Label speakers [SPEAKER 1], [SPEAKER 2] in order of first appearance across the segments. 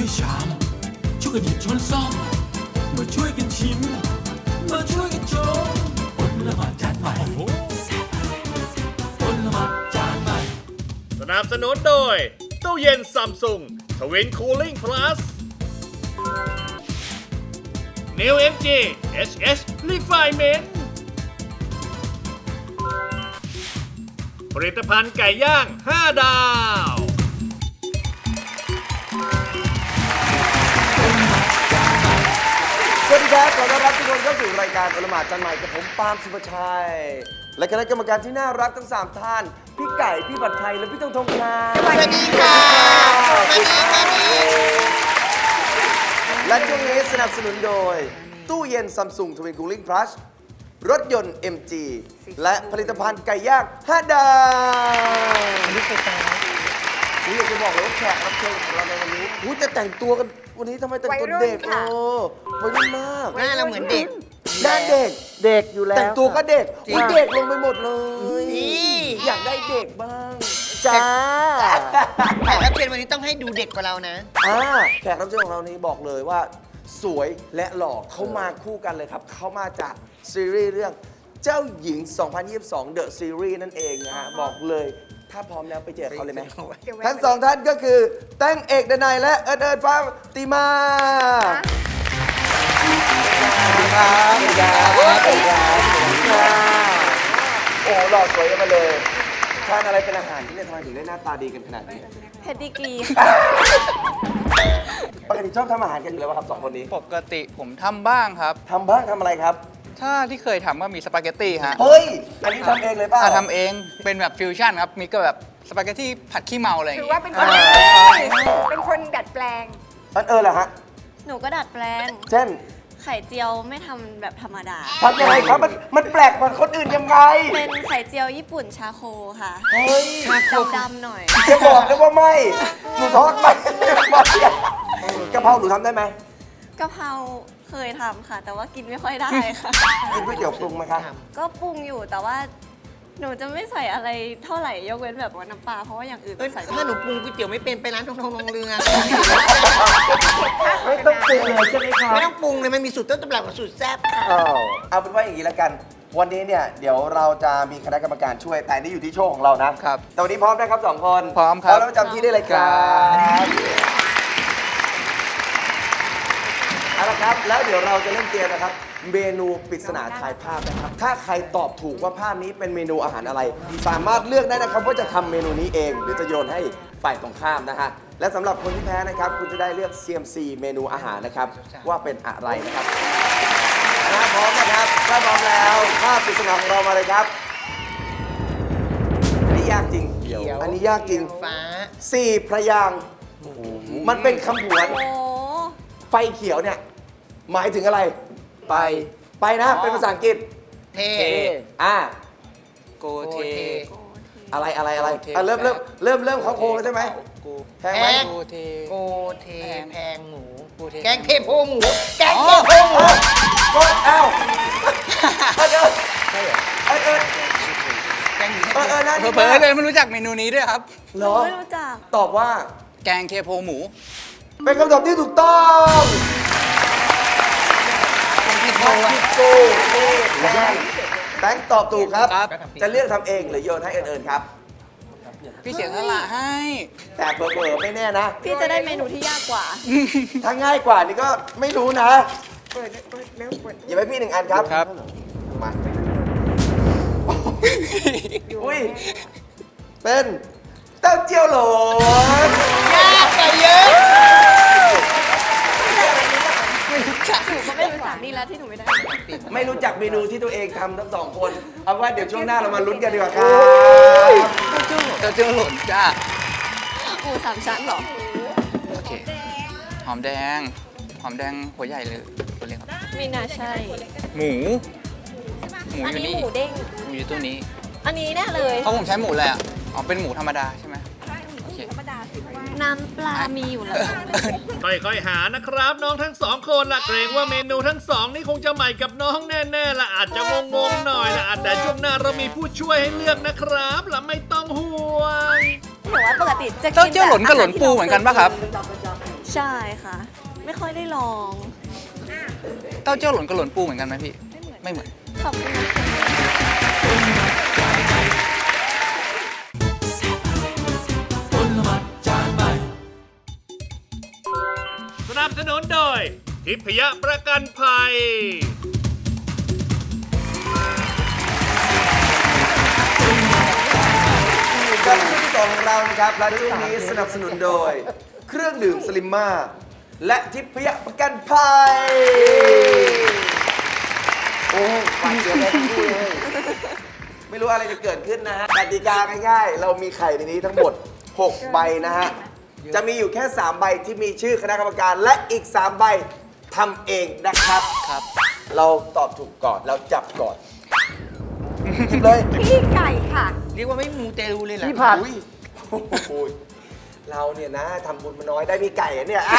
[SPEAKER 1] ชามช่วยกันหยิบช้อนซ่อมมาช่วยกันชิมมาช่วยกันชมอดละหมาดจานใหม่อดละหมาดจานใหม่
[SPEAKER 2] สนับสนุนโดยตู้เย็นซัมซุงทวินคูลิ่งพลัส New MG HS Refinement ผลิตภัณฑ์ไก่ย่าง 5 ดาว
[SPEAKER 3] สวัสดีครับขอต้อนรับทุกคนเข้าสู่รายการอลหมาดจานใหม่กับผมปาล์มสุภชัยและคณะกรรมการที่น่ารักทั้ง3ท่านพี่ไก่พี่บัตรไทยและพี่ธงครับสวัสดีค่ะและช่วงนี้สนับสนุนโดยตู้เย็นซัมซุงทวินคูลิ่งพลัสรถยนต์ MG และผลิตภัณฑ์ไก่ย่าง5 ดาวผมอยากจะบอกเลยว่าแขกรับเชิญของเราในวันนี้จะแต่งตัวกันวันนี้ทำไมแต่งตัวเด็กวัยรุ่นมาก
[SPEAKER 4] หน้าเราเหมือนเด็ก
[SPEAKER 3] หน้าเด็ก
[SPEAKER 5] เด็กอยู่แล้ว
[SPEAKER 3] แต่งตัวก็เด็ก
[SPEAKER 4] จริง
[SPEAKER 3] อุ๊ยเด็กลงไปหมดเลย
[SPEAKER 4] นี่
[SPEAKER 3] อยากได้เด็กบ้าง
[SPEAKER 5] จ้า
[SPEAKER 4] แขกรับเชิญวันนี้ต้องให้ดูเด็กกว่าเรานะ
[SPEAKER 3] แขกรับเชิญของเรานี้บอกเลยว่า สวยและหล่อเขามาคู่กันเลยครับ เขามาจากซีรีส์เรื่องเจ้าหญิง 2022 The Series นั่นเองนะฮะบอกเลยถ้าพร้อมแล้วไปเจอเขาเลยไหมทั้งสองท่านก็คือแต้งเอกดนัยและเอิญฟ้าติมาสวัสดีครับสวัสดีครับสวัสดีครับโอ้หล่อสวยกันมาเลยทานอะไรเป็นอาหารที่เนี่ยทำไมถึงได้หน้าตาดีกันขนาดนี้
[SPEAKER 6] เพดดิกรี
[SPEAKER 3] ปกติชอบทำอาหารกันอยู่แล้วป่ะครับสองคนนี้
[SPEAKER 7] ปกติผมทำบ้างครับ
[SPEAKER 3] ทำบ้างทำอะไรครับ
[SPEAKER 7] ถ้าที่เคยทำก็มีสปาเกตตี้ฮะ
[SPEAKER 3] เฮ้ย อันนี้ทำเองเลยเปล่า
[SPEAKER 7] ทำเองเป็นแบบฟิวชั่นครับ มีก็แบบสปาเกตตี้ผัดขี้เมาอะไรอย่าง
[SPEAKER 6] ถือ
[SPEAKER 7] งี้
[SPEAKER 6] ว่าเป็นคนเป็นคนดัดแปลง
[SPEAKER 3] อันเหรอฮะ
[SPEAKER 6] หนูก็ดัดแปลง
[SPEAKER 3] เช่น
[SPEAKER 6] ไข่เจียวไม่ทำแบบธรรมดา
[SPEAKER 3] ทำยังไงครับ มันแปลกกว่าคนอื่นยังไง
[SPEAKER 6] เป็นไข่เจียวญี่ปุ่นชาโคค่ะ
[SPEAKER 3] เฮ้ย
[SPEAKER 6] ดำๆหน่อย
[SPEAKER 3] จะบอกเลยว่าไม่ หนูทอดไม่กะเพราหนูทำได้ไหม
[SPEAKER 6] กะเพราเคยทำค่ะ แต่ว่ากินไม่ค่อยได้ค่ะ
[SPEAKER 3] กินก๋วยเตี๋ยวปรุงไหมคะ
[SPEAKER 6] ก็ปรุงอยู่แต่ว่า หนูจะไม่ใส่อะไรเท่าไหร่ยกเว้นแบบว่าน้ำปลาเพราะว่าอย่างอื่น
[SPEAKER 4] เอ้ย
[SPEAKER 6] ใส่
[SPEAKER 4] ถ้าหนูปรุงก๋วยเตี๋ยวไม่เป็นไปร้านทองเรือ
[SPEAKER 5] ไม่ต้องปรุงเลยใช่ไหมครับ
[SPEAKER 4] ไม่ต้องปรุงเลยมันมีสูตรต้นตำรับกับสูตรแซ่บค่ะ
[SPEAKER 3] เอาเป็นว่าอย่างนี้แล้วกัน วันนี้เนี่ยเดี๋ยวเราจะมีคณะกรรมการช่วย แต่นี่อยู่ที่โชว์ของเรานะครับ แต่วันนี้พร้อมนะครับสองคน
[SPEAKER 7] พร้อมครับ
[SPEAKER 3] แล้วประจำที่ได้เลยครับเอาละครับ แล้วเดี๋ยวเราจะเล่นเกมนะครับ เมนูปริศนาทายภาพนะครับ ถ้าใครตอบถูกว่าภาพนี้เป็นเมนูอาหารอะไร สามารถเลือกได้นะครับว่าจะทำเมนูนี้เองหรือจะโยนให้ฝ่ายตรงข้ามนะฮะ และสำหรับคนที่แพ้นะครับ คุณจะได้เลือก CMC เมนูอาหารนะครับว่าเป็นอะไรนะครับถ้าพร้อมนะครับถ้าพร้อมแล้วภาพปริศนาของเรามาเลยครับ อันนี้ยากจริง อันนี้ยากจริง
[SPEAKER 4] ฟ้า
[SPEAKER 3] 4 พระยางค์มันเป็นคำผวน
[SPEAKER 6] โอ้
[SPEAKER 3] ไฟเขียวเนี่ย หมายถึงอะไร ไปนะ เป็นภาษาอังกฤษ
[SPEAKER 4] เท
[SPEAKER 3] อ่า
[SPEAKER 7] โกเท
[SPEAKER 3] อะไร
[SPEAKER 7] โอเค
[SPEAKER 3] เริ่มเขาโค้งแล้วใช่ไหม
[SPEAKER 7] โก
[SPEAKER 3] แพงไหม
[SPEAKER 7] โกเท
[SPEAKER 4] โกเทแพงหมู
[SPEAKER 7] โกเท
[SPEAKER 4] แกงเทโพหมู แกงเทโพหมู
[SPEAKER 3] กดเอ้าเอิญเอิญ
[SPEAKER 4] แกงหมู
[SPEAKER 3] น่าดี
[SPEAKER 7] เผลอๆเลยไม่รู้จักเมนูนี้ด้วยครับ
[SPEAKER 3] เหร
[SPEAKER 6] หนู
[SPEAKER 3] อ
[SPEAKER 6] ไม่รู้จัก
[SPEAKER 3] ตอบว่า
[SPEAKER 7] แกงเทโพหมู
[SPEAKER 3] เป็นคำตอบที่ถูกต้อง
[SPEAKER 4] แกงเทโพ
[SPEAKER 3] โกเทแบงค์ตอบถูกครับ
[SPEAKER 7] ครับ
[SPEAKER 3] จะเลือกทำเองหรือโยนให้เอิญครับ
[SPEAKER 7] พี่เสียสละให้
[SPEAKER 3] แต่เผลอๆไม่แน่นะ
[SPEAKER 6] พี่จะได้เมนูที่ยากกว่า
[SPEAKER 3] ถ้าง่ายกว่านี่ก็ไม่รู้นะหยิบให้พี่1 อันครับ
[SPEAKER 7] ครับ
[SPEAKER 3] มาอุ้ย เป็นเต้าเจี้ยวหลน
[SPEAKER 4] ยากกว่าเยอะ
[SPEAKER 6] หนูก็ไม่รู้จักนี่แล้วที่หนูไม่ได้
[SPEAKER 3] ไม่รู้จักเมนูที่ตัวเองทำทั้งสองคน เอาว่าเดี๋ยวช่วงหน้าเรามาลุ้นกันดีกว่าครับ
[SPEAKER 7] เจ้าเจ้าหล่นจ้า
[SPEAKER 6] หมูสามชั้นเหรอ
[SPEAKER 7] โอเค หอมแดง หอมแดงหัวใหญ่หรือตัวเล็กครับ
[SPEAKER 6] ไม่น่าใช่
[SPEAKER 7] หมู หมู
[SPEAKER 6] อัน
[SPEAKER 7] อยู่
[SPEAKER 6] นี้
[SPEAKER 7] นี่
[SPEAKER 6] หมูเด้ง
[SPEAKER 7] หมูอยู่ตัวนี้
[SPEAKER 6] อันนี้แน่เลย
[SPEAKER 7] เพราะผมใช้หมูอะไรอ่ะ อ๋อ เป็นหมูธรรมดาใช่ไหมโอเค
[SPEAKER 6] น้ำปลามีอยู่แล้ว
[SPEAKER 2] ค่อยๆหานะครับน้องทั้งสองคนละเกรงว่าเมนูทั้งสองนี่คงจะใหม่กับน้องแน่ๆละอาจจะงงๆหน่อยละแต่ช่วงหน้าเรามีผู้ช่วยให้เลือกนะครับละไม่ต้องห่วง
[SPEAKER 6] หนูว่าปกติจะกิน
[SPEAKER 7] เต้าเจี้ยวหล่นกับหล่นปูเหมือนกันปะครับ
[SPEAKER 6] ใใช่ค่ะ ไม่ค่อยได้ลอง
[SPEAKER 7] เต้าเจี้ยวหล่นกับหล่นปูเหมือนกันไหมพี่ ไม่เหมือน
[SPEAKER 6] ขอบคุณนะคะ
[SPEAKER 1] ผลไม้จานใหม่
[SPEAKER 2] สนับสนุนโดยทิพยประกันภัย
[SPEAKER 3] กับช่วงที่สองของเรานะครับและช่วงนี้สนับสนุนโดย เครื่องดื่มสลิมมาและทิพยประกันภัย โอ้ฟังเสียงแม่ทั้งคู่เลยไม่รู้อะไรจะเกิดขึ้นนะฮะกติกาง่ายๆ เรามีไข่ในนี้ทั้งหมด 6 ใบนะฮะ จะมีอยู่แค่ 3 ใบที่มีชื่อคณะกรรมการและอีก 3 ใบทำเองนะครับ
[SPEAKER 7] ครับ
[SPEAKER 3] เราตอบถูกก่อนเราจับก่อนหยิบเลย
[SPEAKER 4] พี่ไก่ค่ะ เรียกว่าไม่มูเตลูเลยเหรอ
[SPEAKER 5] พี่ผัด
[SPEAKER 3] อุ้ยโอ้โหเราเนี่ยนะทำบุญมาน้อยได้มีไก่อะเนี่ย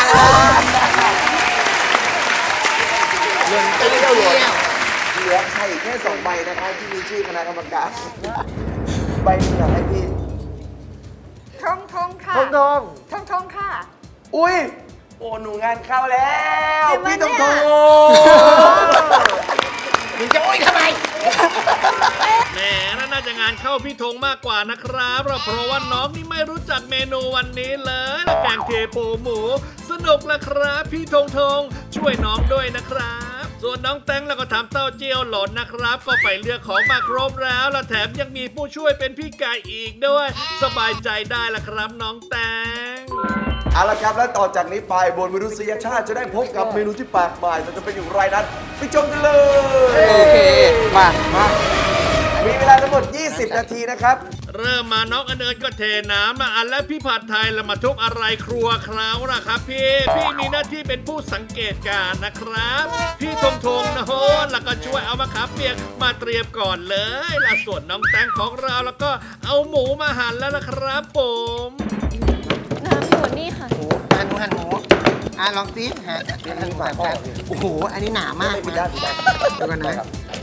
[SPEAKER 3] เงินเปรี้ยวหลดเหลือไข่แค่2 ใบนะคะที่มีชื่อคณะกรรมการ ใบหนึงอยากให้พี่
[SPEAKER 4] ทงทงค่ะ
[SPEAKER 5] ทองทอง
[SPEAKER 4] ทงทงค่ะ
[SPEAKER 3] อุ้ย โอ้หนูงานเข้าแล้ว
[SPEAKER 6] จริงปะ
[SPEAKER 3] พี่ต้อง
[SPEAKER 6] เนี่
[SPEAKER 3] โทร
[SPEAKER 6] ย
[SPEAKER 4] มึงจะโอ้ยทำไม
[SPEAKER 2] แหมน่าจะงานเข้าพี่ธงมากกว่านะครับเพราะว่าน้องนี่ไม่รู้จักเมนูวันนี้เลยและแกงเทโพหมู สนุกละครับพี่ธงช่วยน้องด้วยนะครับ ส่วนน้องแตงแล้วก็ทำเต้าเจี้ยวหล่นนะครับ ก็ไปเลือกของมาครบแล้วและแถมยังมีผู้ช่วยเป็นพี่ไก่อีกด้วย สบายใจได้ละครับน้องแตง
[SPEAKER 3] เอาละครับ แล้วต่อจากนี้ไปบนมนุษยชาติจะได้พบกับเมนูที่แปลกใหม่แต่จะเป็นอย่างไรนั้นไปชมกันเลย
[SPEAKER 7] โอเค มา
[SPEAKER 3] มีเวลาทั้งหมด 20 นาทีนะครับ
[SPEAKER 2] เริ่มมาน้องอเนิร์ดก็เทน้ำมาอันและพี่ผัดไทยแล้วมาทุบอะไรครัวคราวนะครับพี่มีหน้าที่เป็นผู้สังเกตการณ์นะครับ พี่ธงนะโหแล้วก็ช่วยเอามะขามเปียกมาเตรียมก่อนเลยและส่วนน้องแตงของเราแล้วก็เอาหมูมาหั่นแล้วนะครับผม
[SPEAKER 6] น้ำอยู่นี่ค่ะ
[SPEAKER 4] หั่นหมูหั่นหมูลองซิฮะเดี๋ยวหั่นหมูหั่นแป๊บโอ้โห อันนี้หนามาก
[SPEAKER 3] ไม่ผิดด้านผิดด้าน
[SPEAKER 4] เดี๋ยวก่อนนะ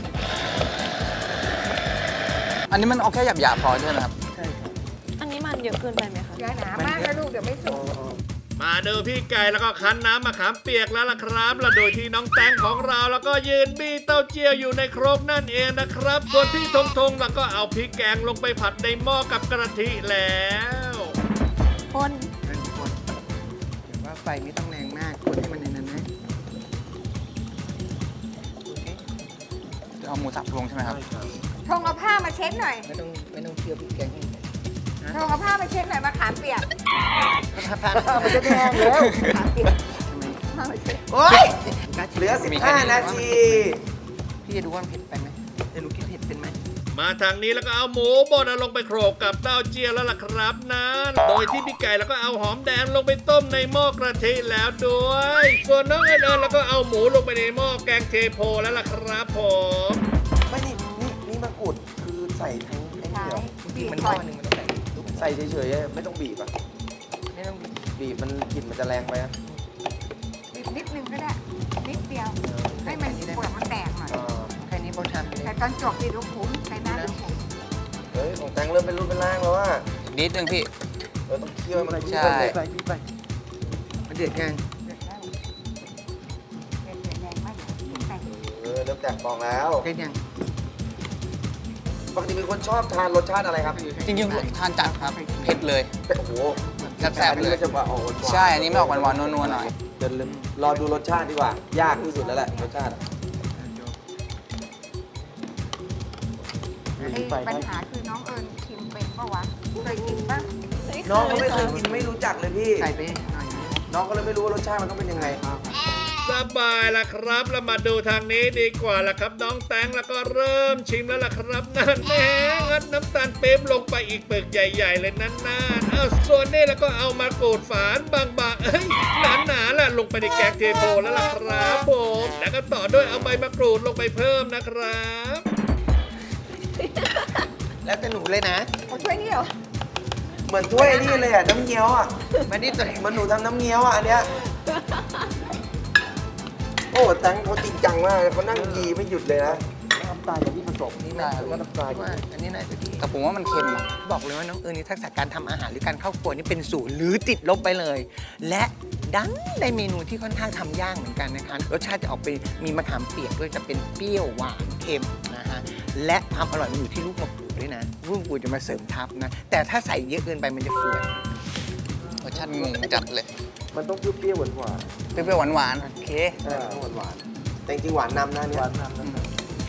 [SPEAKER 7] อันนี้มันเอาแค่หยาบๆพอใช่ไหมครับ
[SPEAKER 6] อันนี้มันเยอะเกินไปไหมคะ
[SPEAKER 4] อย่าหนามากนะลูกเดี๋ยวไม่สุก
[SPEAKER 2] มาดูพี่ไก่แล้วก็คั้นน้ำมะขามเปียกแล้วล่ะครับและโดยที่น้องแตงของเราแล้วก็ยืนบี้เต้าเจี้ยวอยู่ในครกนั่นเองนะครับส่วนพี่ธงแล้วก็เอาพริกแกงลงไปผัดในหม้อกับกระทิแล้ว
[SPEAKER 6] คน
[SPEAKER 4] เป็นคนเดี๋ยวว่าไฟไม่ต้องแรงมากคนให้มันในนั้นนะ
[SPEAKER 7] จะเอาหมูสับลงใช่ไหมครับ
[SPEAKER 8] ทงเอาผ้ามาเช็ดหน่อย
[SPEAKER 4] ไม่ต้องเคี่ยวพริกแกงให้
[SPEAKER 8] ทงเอาผ้ามาเช็ดหน่อยมะขามเปียก
[SPEAKER 4] มันจะแดงแล้ว
[SPEAKER 8] ผ้ามาเช็ด
[SPEAKER 4] โอ๊ย
[SPEAKER 3] เหลือ 15 นาที
[SPEAKER 4] พี่จะดูว่ามันเผ็ดไปไหมเดี๋ยวหนูกินเผ็ดเป็นไหม
[SPEAKER 2] มาทางนี้แล้วก็เอาหมูบดลงไปโขลกกับเต้าเจี้ยวแล้วล่ะครับนั้นโดยที่พี่ไก่แล้วก็เอาหอมแดงลงไปต้มในหม้อกระทิแล้วด้วย ส่วนน้องเอิญแล้วก็เอาหมูลงไปในหม้อแกงเทโพแล้วล่ะครับผม
[SPEAKER 3] ไม่นี่มะกรูดคือใส่ทั้งไอ้นี่เหรอ
[SPEAKER 4] จริงๆมันหม้อหนึ่งมันต้องใส่ลูก
[SPEAKER 3] ใส่เฉยๆไม่ต้องบีบอ่ะ
[SPEAKER 4] ไม่ต้อง
[SPEAKER 3] บีบมันกลิ่นมันจะแรงไปอ่ะ
[SPEAKER 8] นิดนิดนึงก็ได้ นิดเดียว ให้มันเปลือกมันแตกหน่อย
[SPEAKER 4] แค่นี้พอทำเลย
[SPEAKER 8] แต่ตอนจบนี่ลูกขุมใส่หน้าลูกขุม
[SPEAKER 3] เฮ้ยของแตงเริ่มเป็นรูปเป็นร่างแล้วว่า
[SPEAKER 7] นิดนึงพี่
[SPEAKER 3] ต้องเคี่ยวให้มัน
[SPEAKER 7] ใช่
[SPEAKER 5] ไปพี่ไป
[SPEAKER 4] มันเดือดยัง
[SPEAKER 8] เดือดแล้วเดือดแรงมากเดี๋ยวใส่
[SPEAKER 3] เริ่มแตกฟองแล้ว
[SPEAKER 4] เดือดยัง
[SPEAKER 3] ปกติเป็นคนชอบทานรสชาติอะไรครับ
[SPEAKER 7] จริงๆทานจัดครับ เผ็ดเลย
[SPEAKER 3] โอ้โห
[SPEAKER 7] แซ่บๆ
[SPEAKER 3] อัน
[SPEAKER 7] เล
[SPEAKER 3] นี้
[SPEAKER 7] ย
[SPEAKER 3] ก็จะว่าออกหวานๆ
[SPEAKER 7] ใช่ อันนี้ไม่ออกหวานๆนัวๆหน่อย
[SPEAKER 3] เดี๋ยวรอดูรสชาติดีกว่า ยากที่สุดแล้วแหละรสชาติอะ
[SPEAKER 8] ปัญหาคือน้องเอิญชิมเป็นปะวะ เคยกินปะ
[SPEAKER 3] น้องเขาไม่เคยกินไม่รู้จักเลยพี่
[SPEAKER 4] ใส่ไปหน่อยนะ
[SPEAKER 3] น้องก็เลยไม่รู้ว่ารสชาติมันต้องเป็นยังไง
[SPEAKER 2] สบายละครับแล้วมาดูทางนี้ดีกว่าละครับน้องแตงแล้วก็เริ่มชิมแล้วล่ะครับนั่นแน่งัดน้ำตาลปี๊บลงไปอีกเปลือกใหญ่ๆเลยนั่นน่าเอาส่วนนี้แล้วก็เอามากรูดฝานบางๆหนาๆล่ะลงไปในแกงเทโพแล้วล่ะครับผมแล้วก็ต่อด้วยเอาใบมะกรูดลงไปเพิ่มนะครับ
[SPEAKER 4] แล้วแต่หนูเลยนะ
[SPEAKER 8] เอาช่วยนี่เหรอ
[SPEAKER 3] เหมือนถ้วยนี่เลยอ่ะน้ำเงี้ยวอ่ะ
[SPEAKER 4] มานี่ตัวเอง
[SPEAKER 3] มันหนูทำน้ำเงี้ยวอ่ะอันเนี้ย โอ้แตงเขาจริงจังมากเขานั่งยีไม่หยุดเลยนะ
[SPEAKER 5] น้ำตาอย่างที่เขา
[SPEAKER 4] กลบนี่นะ
[SPEAKER 7] ได้
[SPEAKER 4] ว่าน้ำปลาว่าอันนี้น่าจะดี
[SPEAKER 7] แต่ผมว่ามันเค็มอะ
[SPEAKER 4] บอกเลยว่าน้องเอิญนี่ทักษะการทำอาหารหรือการเข้าครัวนี่เป็นศูนย์หรือติดลบไปเลย และดันได้เมนูที่ค่อนข้างทำยากเหมือนกันนะคะรสชาติจะออกไปมีมะขามเปียกด้วยจะเป็นเปรี้ยวหวานเค็มนะฮะและความอร่อยมันอยู่ที่ลูกมะกรูดด้วยนะลูกมะกรูดจะมาเสริมทับนะแต่ถ้าใส่เยอะเกินไปมันจะเฟื่อน
[SPEAKER 7] รสชาติงงจัดเลย
[SPEAKER 3] มันต้องเปรี้ยวๆหวาน
[SPEAKER 7] เปรี้ยวๆหวานๆโอเค
[SPEAKER 3] ๆต้องหวานๆแต่จริงๆหวานนำนะเนี่ยหวานนำนะ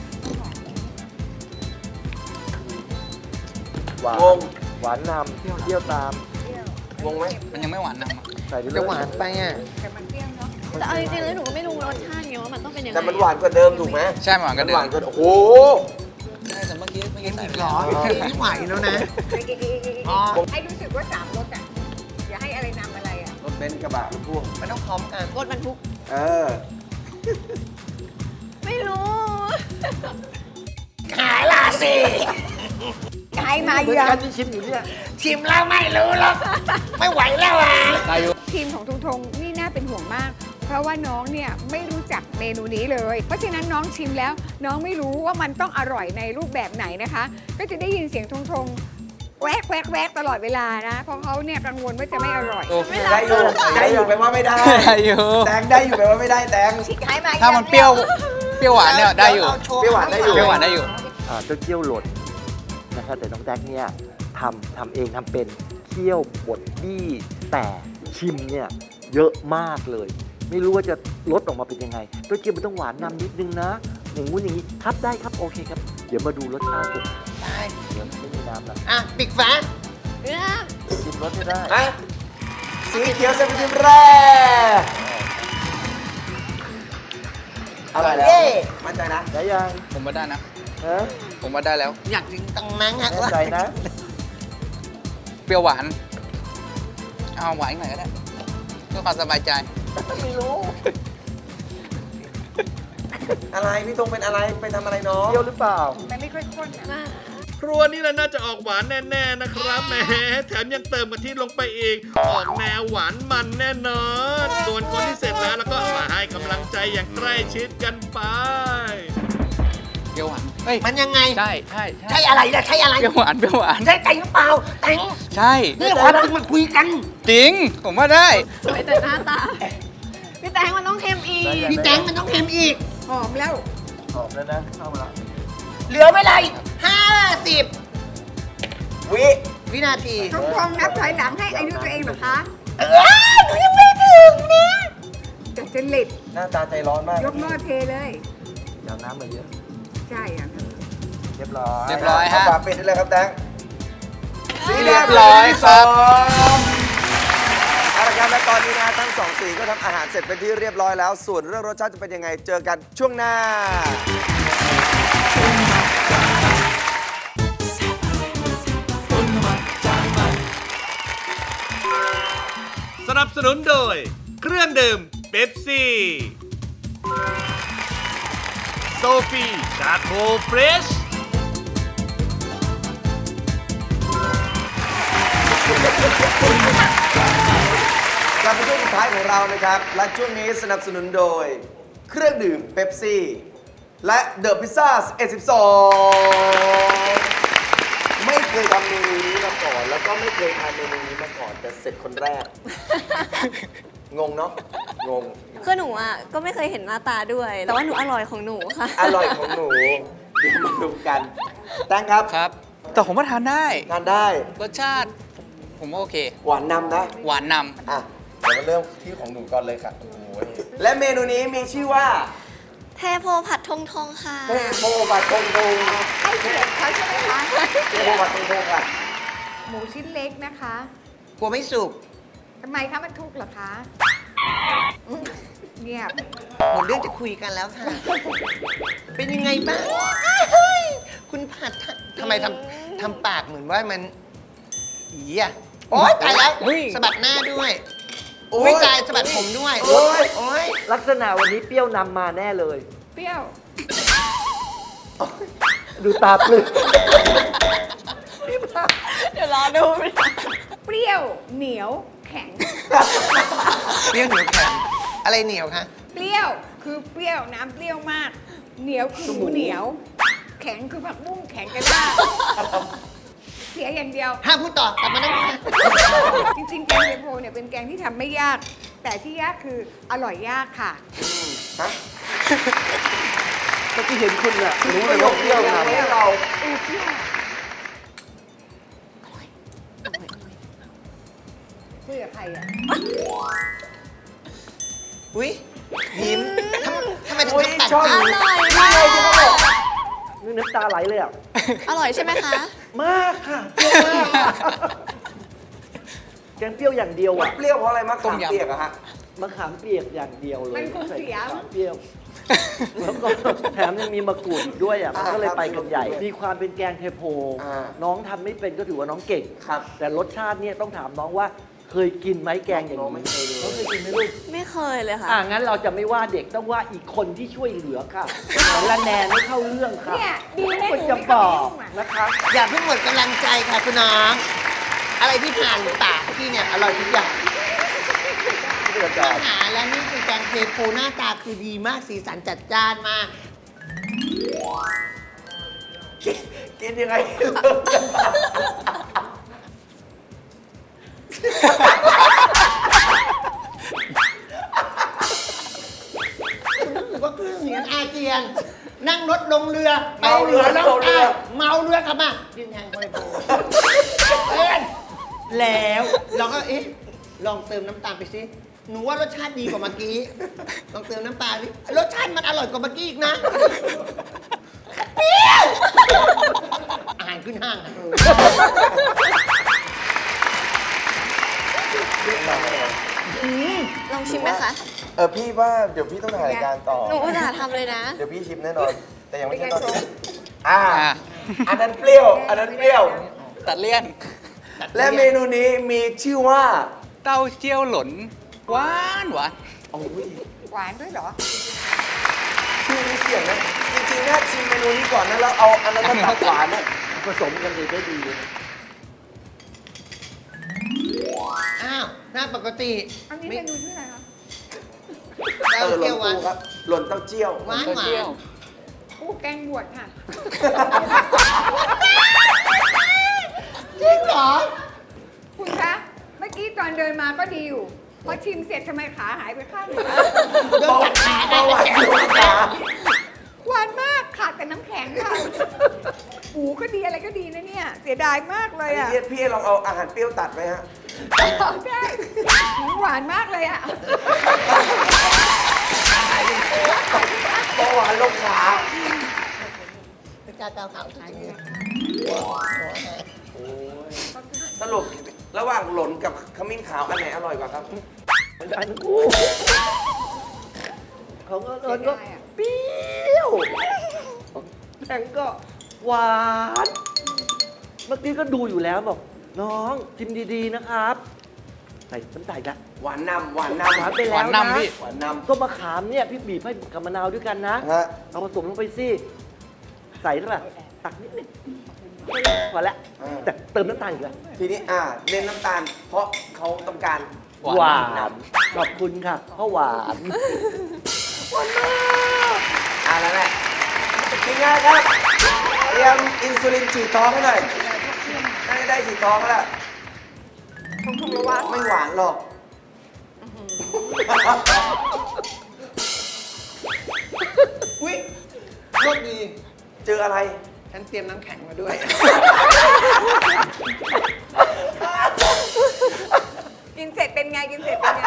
[SPEAKER 3] หวานหวานนำเปรี้ยวตามงงไหม
[SPEAKER 7] มันยังไม่หวานนำอะ
[SPEAKER 3] ใส่ไปเลย
[SPEAKER 4] จะหวานไปอ่ะ
[SPEAKER 8] แต่มันเปรี้ยวเนาะ
[SPEAKER 6] แต่เอาจริงๆแล้วหนูก็ไม่รู้รสชาติไงว่ามันต้องเป็นยังไง
[SPEAKER 3] แต่มันหวานกว่าเดิมถูกไหม
[SPEAKER 7] ใช่มันหวานกัน
[SPEAKER 3] ห
[SPEAKER 7] เดิ
[SPEAKER 3] วาม นกว่าโอ้โห
[SPEAKER 7] ใช่แต่เมื่อกี้ใส่ไป
[SPEAKER 4] หรอไม่ไหวแล้วนะ อ๋อ
[SPEAKER 8] ให้รู้สึกว่า3รสอ่ะ อย่าให้อะไรนำอะไรอ่ะ
[SPEAKER 3] รถเบนซ์กระบะรถพ่วง
[SPEAKER 4] มันต้องพร้อมกัน
[SPEAKER 6] รสบรรทุก
[SPEAKER 3] เออ
[SPEAKER 6] ไม่รู้
[SPEAKER 4] ขายล่ะสิ
[SPEAKER 8] ขายมา
[SPEAKER 5] เหมือน
[SPEAKER 8] เยอะ
[SPEAKER 5] กันที่ชิมอยู่เนี่ย
[SPEAKER 4] ชิมแล้วไม่รู้หรอกไม่ไหวแล้วอ่ะ
[SPEAKER 7] ได้อยู่
[SPEAKER 8] ทีมของทงทงนี่น่าเป็นห่วงมาก เพราะว่าน้องเนี่ยไม่รู้จักเมนูนี้เลย เพราะฉะนั้นน้องชิมแล้ว น้องไม่รู้ว่ามันต้องอร่อยในรูปแบบไหนนะคะ ก็จะได้ยินเสียงทงทงแวกแวกแวกตลอดเวลานะ เพราะเขาเนี่ยกังวลว่าจะไม่อร่อย
[SPEAKER 7] โอเค
[SPEAKER 3] ได้อยู่ได้อยู่ไปว่าไม่ได้
[SPEAKER 7] ได้อยู่
[SPEAKER 3] แตงได้อยู่ไปว่าไม่ได้แตง
[SPEAKER 8] ขายมา
[SPEAKER 7] ถ้ามันเปรี้ยวหวานเนี่ยได้อยู่
[SPEAKER 3] เปรี้ยวหวานได้อยู่
[SPEAKER 7] เปรี้ยวหวานได้อยู่
[SPEAKER 5] เจ้าเกี้ยวหล่นนะครับแต่น้องแดกเนี่ยทำเองทำเป็นเคี่ยวบดบี้แต่ชิมเนี่ยเยอะมากเลย ไม่รู้ว่าจะรสออกมาเป็นยังไงเจ้าเกี้ยวมันต้องหวานนำนิดนึงนะอย่างงู้นอย่างนี้ครับได้ครับโอเคครับ เดี๋ยวมาดูรสชาติกัน
[SPEAKER 4] ได้
[SPEAKER 5] เดี๋ยวไม่มีน้ำละ
[SPEAKER 4] อ่ะปิดฝา
[SPEAKER 5] ชิมรสไม่ได้
[SPEAKER 3] อะสีเขียวเซนติมแรกอะไรแล้ว
[SPEAKER 4] เย้
[SPEAKER 3] มั่นใจนะ
[SPEAKER 5] ได้ยัง
[SPEAKER 7] ผมว่าได้นะ
[SPEAKER 5] ฮะ
[SPEAKER 7] ผมว่าได้แล้ว
[SPEAKER 4] อยากถึงตังนั้นอ่ะ
[SPEAKER 5] แน่ใจนะ
[SPEAKER 7] เปรี้ยวหวาน เอาหวานอีกหน่อยก็ได้เพื่อความสบายใจ
[SPEAKER 5] ไม่รู้
[SPEAKER 3] อะไรพี่ธงเป็นอะไรไปทำอะไรน้อง
[SPEAKER 5] เที่ยวหรือเปล่า
[SPEAKER 8] มันไม่ค่อยข้นอ่ะ
[SPEAKER 2] ครัวนี่แหละน่าจะออกหวานแน่ๆนะครับแหมแถมยังเติมกะทิลงไปอีก ออกแนวหวานมันแน่นอน ส่วนคนที่เสร็จแล้วก็มาให้กำลังใจอย่างใกล้ชิดกันไป
[SPEAKER 7] เปรี้ยวหวาน เฮ้ย
[SPEAKER 4] มันยังไง
[SPEAKER 7] ใช่
[SPEAKER 4] ใช่อะไรนะใช่อะไร
[SPEAKER 7] เปรี้ยวหวานเปรี้ยวหวาน
[SPEAKER 4] ใช่ใจหรือเปล่าแตง
[SPEAKER 7] ใช่
[SPEAKER 4] นี่ความจริงมาคุยกัน
[SPEAKER 7] จริง ผมว่าได้
[SPEAKER 6] สวยแต่หน้าตา พี่แตงมันต้องเค็มอีก
[SPEAKER 4] พี่แตงมันต้องเค็มอีก
[SPEAKER 8] หอมแล้ว
[SPEAKER 5] หอมแล้วนะ เข้ามาละ
[SPEAKER 4] เหลือเวลาอีก50 วินาที
[SPEAKER 8] ทงทงนับถอยหลังให้อายุตัวเองเหรอคะ
[SPEAKER 4] หนูยังไม่ถึงนะ
[SPEAKER 8] จะเจริต
[SPEAKER 3] หน้าตาใจร้อนมาก
[SPEAKER 8] ยกหม้อเทเลย
[SPEAKER 5] เดี๋ยวน้ำมาเยอะ
[SPEAKER 8] ใช่อ่ะ
[SPEAKER 5] เรียบร้อย
[SPEAKER 7] เรียบร้อยฮะ
[SPEAKER 3] เาฝาปิดได้เลยครับแตง
[SPEAKER 7] เรียบร้อยครับ
[SPEAKER 3] เอาละครับและตอนนี้นะทั้งสองสีก็ทำอาหารเสร็จเป็นที่เรียบร้อยแล้ว ส่วนเรื่องรสชาติจะเป็นยังไงเจอกันช่วงหน้า
[SPEAKER 2] สนับสนุนโดย เครื่องดื่มเป๊ปซี่โซฟีชาโคเฟรช
[SPEAKER 3] กลับมาช่วงสุดท้ายของเรานะครับ และช่วงนี้สนับสนุนโดย เครื่องดื่มเป๊ปซี่ และเดอะพิซซ่า12ไม่เคยทำเมนูนี้มาก่อน แล้วก็ไม่เคยทานเมนูนี้มาก่อนแต่เสร็จคนแรก งงเนาะงง
[SPEAKER 6] คือหนูอ่ะก็ไม่เคยเห็นหน้าตาด้วย แต่ว่าหนูอร่อยของหนูค่ะ
[SPEAKER 3] อร่อยของหนู เดี๋ยวมาดูกันแตงครับ
[SPEAKER 7] ครับ แต่ผมว่าทานได้
[SPEAKER 3] ทานได้
[SPEAKER 7] รสชาติ ผมว่าโอเค
[SPEAKER 3] หวานนำนะ
[SPEAKER 7] หวานน
[SPEAKER 3] อ่ะเดี๋ยวมาเริ่มที่ของหนูก่อนเลยค่ะโอ้โหและเมนูนี้มีชื่อว่า
[SPEAKER 6] เทโพผัดทงทงค่ะ
[SPEAKER 3] เทโพบัตทงทง
[SPEAKER 8] ให้เกียรติเขาใช่ไหมคะ
[SPEAKER 3] เทโพบัตทงทงค่ะ
[SPEAKER 8] หมูชิ้นเล็กนะคะ
[SPEAKER 4] กลัวไม่สุก
[SPEAKER 8] ทำไมคะมันทุกข์เหรอคะเงียบ
[SPEAKER 4] หมดเรื่องจะคุยกันแล้วค่ะ เป็นยังไงบ้างคุณผัดทำไมทำปากเหมือนว่ามันอีอ่ะโอ๊ยตายแล้วสะบัดหน้าด้วย
[SPEAKER 3] โอ๊ย
[SPEAKER 4] ไม่ตายสะบัดผมด้วย
[SPEAKER 3] โอ๊ย
[SPEAKER 4] โอ๊ย
[SPEAKER 5] ลักษณะวันนี้เปรี้ยวนำมาแน่เลย
[SPEAKER 8] เปรี้ยว
[SPEAKER 5] ดูตาปลึก
[SPEAKER 6] เดี๋ยวรอดู
[SPEAKER 8] เปรี้ยวเหนียวแข็ง
[SPEAKER 4] เปรี้ยวเหนียวแข็งอะไรเหนียวคะ
[SPEAKER 8] เปรี้ยวคือเปรี้ยวน้ำเปรี้ยวมาก เหนียวคือหมูเหนียวแข็งคือผักบุ้งแข็งกระด้างเสียอย่างเดียว
[SPEAKER 4] ห้ามพูดต่อกลับมานั่ง
[SPEAKER 8] จริงๆ แกงเทโพเนี่ยเป็นแกงที่ทำไม่ยาก แต่ที่ยากคืออร่อยยากค่ะ
[SPEAKER 3] ฮะ
[SPEAKER 5] เมื่อกี้เห็นคุณเนี่ยรู้เลยว่าเปรี้ยวนะ
[SPEAKER 3] ให้เรา
[SPEAKER 8] คุยกับใครอ่ะ
[SPEAKER 4] อุ้ยยิ้มทำไมถึง
[SPEAKER 3] อุ้ย
[SPEAKER 4] ตัด
[SPEAKER 3] ชอบ
[SPEAKER 4] จริง
[SPEAKER 6] อร่อย
[SPEAKER 3] นี่
[SPEAKER 6] มา
[SPEAKER 3] ไงที่เขาบอก
[SPEAKER 5] นี่น้ำตาไหลเลยอ่ะ
[SPEAKER 6] อร่อยใช่ไหมคะ
[SPEAKER 5] มากค่ะเปรี้ยวมากค่ะแกงเปรี้ยวอย่างเดียวอ่ะ
[SPEAKER 3] เปรี้ยวเพราะอะไรมะ
[SPEAKER 7] ต้
[SPEAKER 3] ขาม
[SPEAKER 7] มยำ
[SPEAKER 3] เปียกอะฮะ
[SPEAKER 5] มะขามเปียกอย่างเดียวเลย
[SPEAKER 8] มันคงเสีย
[SPEAKER 5] ใส่มะขามเปรี้ยว แล้วก็แถมยังมีมะกรูดอีกด้วยอ่ะ มันก็เลยไปกันใหญ่ มีความเป็นแกงเทโพ
[SPEAKER 3] อ่า
[SPEAKER 5] น้องทำไม่เป็นก็ถือว่าน้องเก่ง
[SPEAKER 3] ครับ
[SPEAKER 5] แต่รสชาติเนี่ยต้องถามน้องว่าเคยกินไหมแกงอย่าง
[SPEAKER 3] น้องไม่
[SPEAKER 5] นี้
[SPEAKER 3] เคยเลย
[SPEAKER 5] น้องเคยกินไหมลูก
[SPEAKER 6] ไม่เคยเลยค่ะ
[SPEAKER 5] งั้นเราจะไม่ว่าเด็กต้องว่าอีกคนที่ช่วยเหลือค่ะสารแนนไม่เข้าเรื่องค่ะ
[SPEAKER 8] เนี่ยดีนะ
[SPEAKER 5] ควร
[SPEAKER 8] หนู
[SPEAKER 5] จะ
[SPEAKER 8] ไม่
[SPEAKER 5] บ
[SPEAKER 8] เข้า
[SPEAKER 5] อ
[SPEAKER 8] ไป
[SPEAKER 5] ก
[SPEAKER 8] ยุ่งอะ
[SPEAKER 5] นะคะ
[SPEAKER 4] อย่าเพิ่งหมดกำลังใจค่ะคุณน้องอะไรที่ผ่านปากพี่เนี่ยอร่อยทุกอย่าง
[SPEAKER 5] เดือด
[SPEAKER 4] อาหารและนี่คือแกงเทโพหน้าตาคือดีมากสีสันจัดจ้านมาก
[SPEAKER 3] กินยังไง
[SPEAKER 4] รู้สึกว่าเครื่องเหนียนอาเจียน นั่งรถลงเรือไป
[SPEAKER 3] เมาเรือ
[SPEAKER 4] แล้ว
[SPEAKER 3] เมาเรือ
[SPEAKER 4] เมาเรือครับมาดินแทงคอยโบเล่นแล้วเราก็เอ๊ะลองเติมน้ำตาลไปสิหนูว่ารสชาติดีกว่าเมื่อกี้ลองเติมน้ำตาลสิรสชาติมันอร่อยกว่าเมื่อกี้อีกนะเปรี้ยวอาหารขึ้นห้างอะ
[SPEAKER 6] ลองชิมไหมคะ
[SPEAKER 3] พี่ว่าเดี๋ยวพี่ต้องถ่ายรายการต่อ
[SPEAKER 6] หนูอุตส่าห์ทำเลยนะ
[SPEAKER 3] เดี๋ยวพี่ชิมแน่นอน แต่ยังไม่ใช่ตอน
[SPEAKER 8] เป็นไง
[SPEAKER 3] นี้อันนั้นเปรี้ยว อันนั้นเปรี้ยว
[SPEAKER 7] ตัดเลี่ยน
[SPEAKER 3] และเมนูนี้มีชื่อว่า
[SPEAKER 7] เต้าเจี้ยวหล่นหวานหวาน
[SPEAKER 3] โอ้ย
[SPEAKER 8] หวานด้วยเหรอ
[SPEAKER 3] ชื่อนี้เสียงนะ จริงๆน่าชิมเมนูนี้ก่อนนะ แล้วเอาอันนั้นมาตัดหวานนะ
[SPEAKER 5] ผสมกันเลยได้ดีเลย
[SPEAKER 4] อ้าวหน้าปกติ
[SPEAKER 8] อันนี้
[SPEAKER 4] ไม่
[SPEAKER 8] เมนูชื่ออะไรคะ
[SPEAKER 4] เต้า
[SPEAKER 3] หล่
[SPEAKER 4] เจี้ย
[SPEAKER 3] น
[SPEAKER 4] วหวาน
[SPEAKER 3] ปูครับ หล่นเต้าเจี้ยว
[SPEAKER 4] หวานหวา
[SPEAKER 7] เจี้ย
[SPEAKER 4] น
[SPEAKER 7] ว
[SPEAKER 8] อู้แกงบวชค่ะ
[SPEAKER 4] จริงเหรอ
[SPEAKER 8] คุณคะ เมื่อกี้ตอนเดินมาก็ดีอยู่ พอชิมเสร็จทำไมขาหายไปข้างหนึ่งวะ
[SPEAKER 4] โดนกัดขาได้
[SPEAKER 3] เบาหวานอยู่ขา
[SPEAKER 8] หวานมากขาดแต่น้ำแข็งค่ะปูก็ดีอะไรก็ดีนะเนี่ย เสียดายมากเลยอ่ะ
[SPEAKER 3] พี่ลองเอาอาหารเปรี้ยวตัดไหมฮะ
[SPEAKER 8] ได้หวานมากเลยอ่ะ
[SPEAKER 3] เบาหวานลงขา
[SPEAKER 4] เป็นการเตาเผาจริง
[SPEAKER 3] สรุประหว่างหล่นกับขมิ้นขาวอันไหนอร่อยกว่าครับ
[SPEAKER 5] อันคู่ของเอิญก็เปรี้ยวแตงก็หวาน เมื่อกี้ก็ดูอยู่แล้วบอก น้องชิมดีๆนะครับ ใส่น้ำตาลละ
[SPEAKER 3] หวานนำหวานนำ
[SPEAKER 5] หวานไป
[SPEAKER 7] ห
[SPEAKER 5] แล้ว
[SPEAKER 7] วาน
[SPEAKER 5] นะ
[SPEAKER 7] นำพี่
[SPEAKER 3] หวานนำ
[SPEAKER 5] ส้มมะขามเนี่ยพี่บีบให้กับมะนาวด้วยกันนะ
[SPEAKER 3] ฮะ
[SPEAKER 5] เอาผสมลงไปสิ ใส่เท่าไหร่ตักนิดนึงพอแล้ว แต่เติมน้ำตาลอีกแล้ว
[SPEAKER 3] ทีนี้เน้นน้ำตาล เพราะเขาต้องการ
[SPEAKER 5] หวานขอบคุณค่ะเพราะหวาน
[SPEAKER 3] แล้วแหละทีง่ายครับ เตรียมอินซูลินฉีดท้องให้หน่อยน่าจะได้ฉีดท้องแล้ว
[SPEAKER 8] ทงระวัง
[SPEAKER 3] ไม่หวานหรอก
[SPEAKER 4] ๆอุ้ยโชคดี
[SPEAKER 3] เจออะไร
[SPEAKER 4] ฉันเตรียมน้ำแข็งมาด้วย
[SPEAKER 8] กินเสร็จเป็นไง กินเสร็จเป็นไง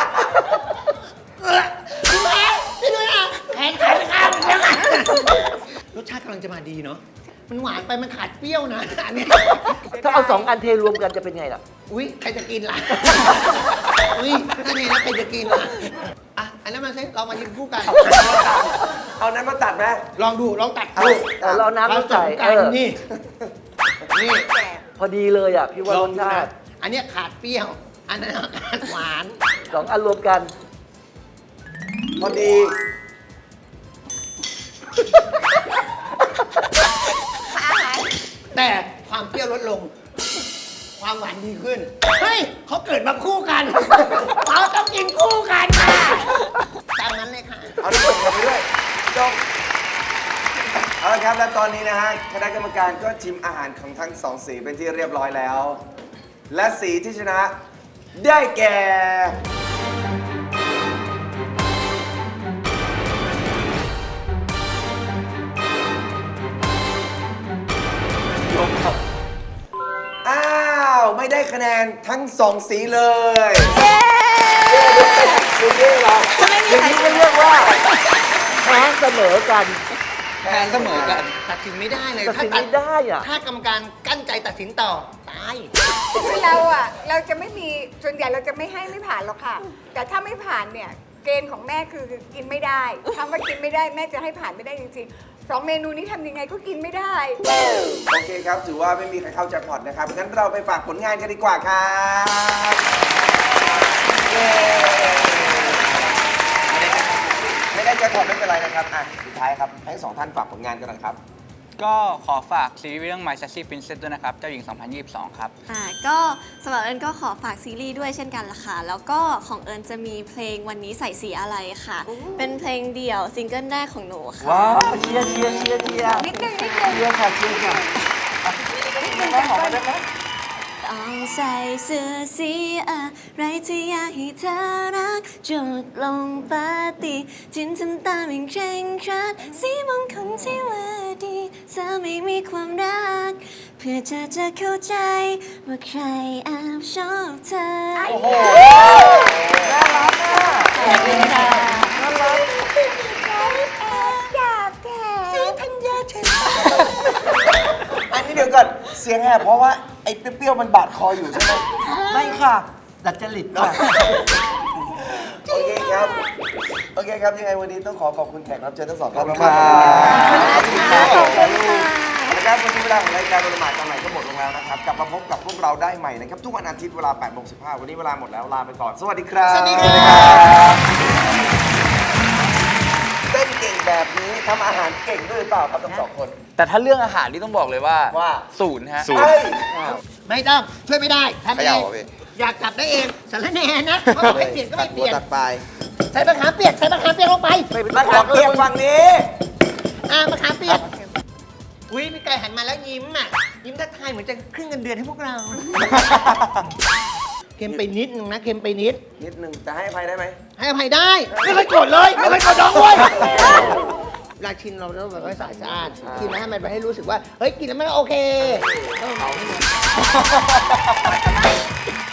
[SPEAKER 4] แขนขายข้าวแล้วกันรสชาติกำลังจะมาดีเนาะ มันหวานไปมันขาดเปรี้ยวนะอันนี้
[SPEAKER 5] ถ้าเอา2 อันเทรวมกันจะเป็นไงล่ะ
[SPEAKER 4] อุ้ยใครจะกินล่ะ อุ้ยถ้านี้แล้วใครจะกินล่ะ อ่ะ อันนั้นมาสิเรามากินคู่กัน
[SPEAKER 3] เอานั้นมาตัดไหม
[SPEAKER 4] ลองดู ลองตัด
[SPEAKER 3] เอา
[SPEAKER 4] ดู
[SPEAKER 5] เราน้ำ
[SPEAKER 4] ผ
[SPEAKER 5] มา
[SPEAKER 4] ส
[SPEAKER 5] ใส่
[SPEAKER 4] มกันนี่ นี่
[SPEAKER 5] พอดีเลยอ่ะ พี่ว่า
[SPEAKER 4] ล
[SPEAKER 5] ร
[SPEAKER 4] อง
[SPEAKER 5] ส
[SPEAKER 4] ดู
[SPEAKER 5] ชา
[SPEAKER 4] นะ
[SPEAKER 5] ติ
[SPEAKER 4] อันเนี้ยขาดเปรี้ยว อันนั้นขาดหวาน
[SPEAKER 5] 2 อันรวมกัน
[SPEAKER 3] พอดี
[SPEAKER 4] แต่ความเปรี้ยวลดลง ความหวานดีขึ้น เฮ้ยเขาเกิดมาคู่กัน เขาต้องกินคู่กันค่ะตามนั้นเลยค่ะ
[SPEAKER 3] เอาน้ำแข็งมาด้วยจงเอาละครับและตอนนี้นะฮะคณะกรรมการก็ชิมอาหารของทั้งสองสีเป็นที่เรียบร้อยแล้ว และสีที่ชนะได้แก่อ้าวไม่ได้คะแนนทั้งสองสีเลยคุณเย่เหรออย่างนี้ก็เรียกว่า
[SPEAKER 5] แพ้เสมอกัน
[SPEAKER 7] แพ้เสมอกัน
[SPEAKER 4] ตัดสินไม่ได้เลย
[SPEAKER 5] ตัดสินไม่ได้อะ
[SPEAKER 4] ถ้ากรรมการกั้นใจตัดสินต่อ ตาย
[SPEAKER 8] คือเราจะไม่มีส่วนใหญ่เราจะไม่ให้ไม่ผ่านหรอกค่ะ แต่ถ้าไม่ผ่านเนี่ยเกณฑ์ของแม่คือกินไม่ได้คำว่ากินไม่ได้แม่จะให้ผ่านไม่ได้จริงๆ2 เมนูนี้ทำยังไงก็กินไม่ได้
[SPEAKER 3] โอเคครับ ถือว่าไม่มีใครเข้าแจ็คพอตนะครับ งั้นเราไปฝากผลงานกันดีกว่าครับเย้ไม่ได้แจ็คพอตไม่เป็นไรนะครับอ่ะสุดท้ายครับ ให้สองท่านฝากผลงานกันหน่อยครับ
[SPEAKER 7] ก็ขอฝากซีรีส์เรื่อง My Sassy Princess ด้วยนะครับ เจ้าหญิง 2022 ครับ
[SPEAKER 6] ก็สำหรับเอิญก็ขอฝากซีรีส์ด้วยเช่นกันละค่ะ แล้วก็ของเอิญจะมีเพลงวันนี้ใส่สีอะไรค่ะ เป็นเพลงเดี่ยวซิงเกิลแรกของหนูค่ะ
[SPEAKER 5] ว้าวเชียร์เชียร์เชียร์เชียร์
[SPEAKER 8] นิดนึง
[SPEAKER 5] เชียร์ค่ะเชียร์ค่ะได้หอมมาได้ไหม
[SPEAKER 6] ต้องใส่เสื้อสีอะไรที่อยากให้เธอรักจุดลงปาติจินทำตามอย่างเคร่งครัดสีมงคลที่ว่าดีเธอไม่มีความรัก เพื่อเธอจะเข้าใจว่าใครแอบชอบเธอ
[SPEAKER 5] โอ้โห น่ารักอ่ะ
[SPEAKER 6] ขอบคุณค่ะ
[SPEAKER 5] น่ารัก
[SPEAKER 6] สีธัญญาฉัน
[SPEAKER 3] อันนี้เดี๋ยวก่อน เสียงแหบเพราะว่าไอ้เปรี้ยวๆมันบาดคออยู่ใช่ไหม
[SPEAKER 5] ไม่ค่ะดัดจริตค่ะ
[SPEAKER 3] โอเคครับ โอเคครับ ยังไงวันนี้ต้องขอบคุณแขกรับเชิญทั้งสองท่านมาก
[SPEAKER 5] ขอบคุณครับ
[SPEAKER 6] ขอบคุณค่ะ
[SPEAKER 3] นะครับวันนี้เวลาของรายการโดนหมายกันใหม่ก็หมดลงแล้วนะครับ กลับมาพบกับพวกเราได้ใหม่นะครับ ทุกวันอาทิตย์เวลา 8:15 วันนี้เวลาหมดแล้วลาไปก่อน สวัสดีครับ
[SPEAKER 4] สวัสดีครับ
[SPEAKER 3] เต้นเก่งแบบนี้ทำอาหารเก่งด้วยหรือเปล่าครับทั้งสองคน
[SPEAKER 7] แต่ถ้าเรื่องอาหารนี่ต้องบอกเลยว่า
[SPEAKER 3] ว่า
[SPEAKER 7] ศูนย์ฮะ
[SPEAKER 3] เฮ้ย
[SPEAKER 4] ไม่ต้อง ช่วยไม่ได้ทำเอ
[SPEAKER 3] เขย่าง เหรอพี่
[SPEAKER 4] อยากกลับได้เองสารแหน่นะเพราะไม่เปลี่ยนก็ไม่เปลี่ยน
[SPEAKER 3] ตัดปลาย
[SPEAKER 4] ใส่มะขามเปียกใส่มะขามเปียกลงไป
[SPEAKER 3] มะขามเปียกฝั่งนี้
[SPEAKER 4] มะขามเปียกอุ้ยพี่ไก่หันมาแล้วยิ้มอ่ะ ยิ้มทักทายเหมือนจะขึ้นเงินเดือนให้พวกเรา เค็มไปนิดนึงนะ เค็มไปนิด
[SPEAKER 3] นิดนึงจะให้อภัยได้ไหม
[SPEAKER 4] ให้อภัยได้ ไม่เคยโกรธเลย ไม่เคยโกรธน้องเว้ยเวลาชิมเราต้องแบบว่าสะอาดชิมแล้วให้มันไปให้รู้สึกว่า เฮ้ย กินแล้วมันโอเค